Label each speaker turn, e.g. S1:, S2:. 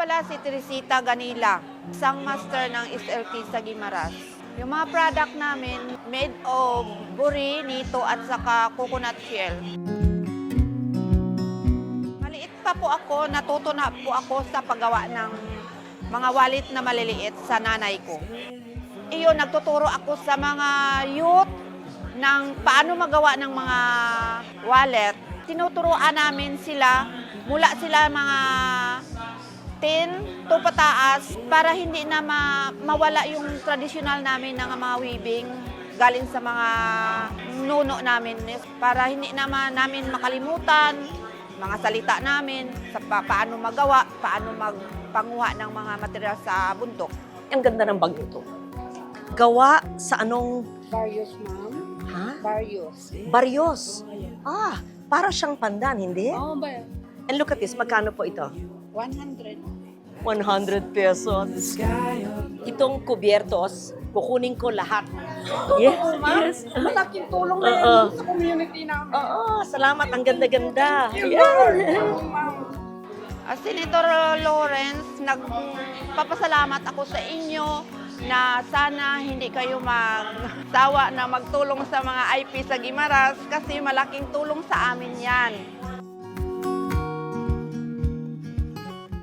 S1: pala si Teresita Ganila, isang master ng SLT sa Guimaras. Yung mga product namin, made of buri, nito at saka coconut shell. Maliit pa po ako, natuto na po ako sa paggawa ng mga wallet na maliliit sa nanay ko. Iyon, nagtuturo ako sa mga youth ng paano magawa ng mga wallet. Tinuturuan namin sila, mula sila mga 10 to pataas para hindi na mawala yung traditional namin ng mga weaving galing sa mga nuno namin, para hindi naman namin makalimutan mga salita namin sa paano magawa, paano magpanguha ng mga material sa bundok.
S2: Ang ganda ng bag ito. Gawa sa anong...
S1: Barrios, ma'am.
S2: Ha?
S1: Barrios.
S2: Barrios. Ah, para siyang pandan, hindi?
S1: Oo ba?
S2: And look at this, magkano po ito?
S1: 100.
S2: 100 pesos. Itong kubyertos, kukunin ko lahat. Yes, yes.
S1: Malaking tulong na
S2: Oo.
S1: yan sa community namin.
S2: Oo, salamat. Ang ganda-ganda.
S1: Senator Lawrence, nagpapasalamat ako sa inyo na sana hindi kayo magsawa na magtulong sa mga IP sa Guimaras kasi malaking tulong sa amin yan.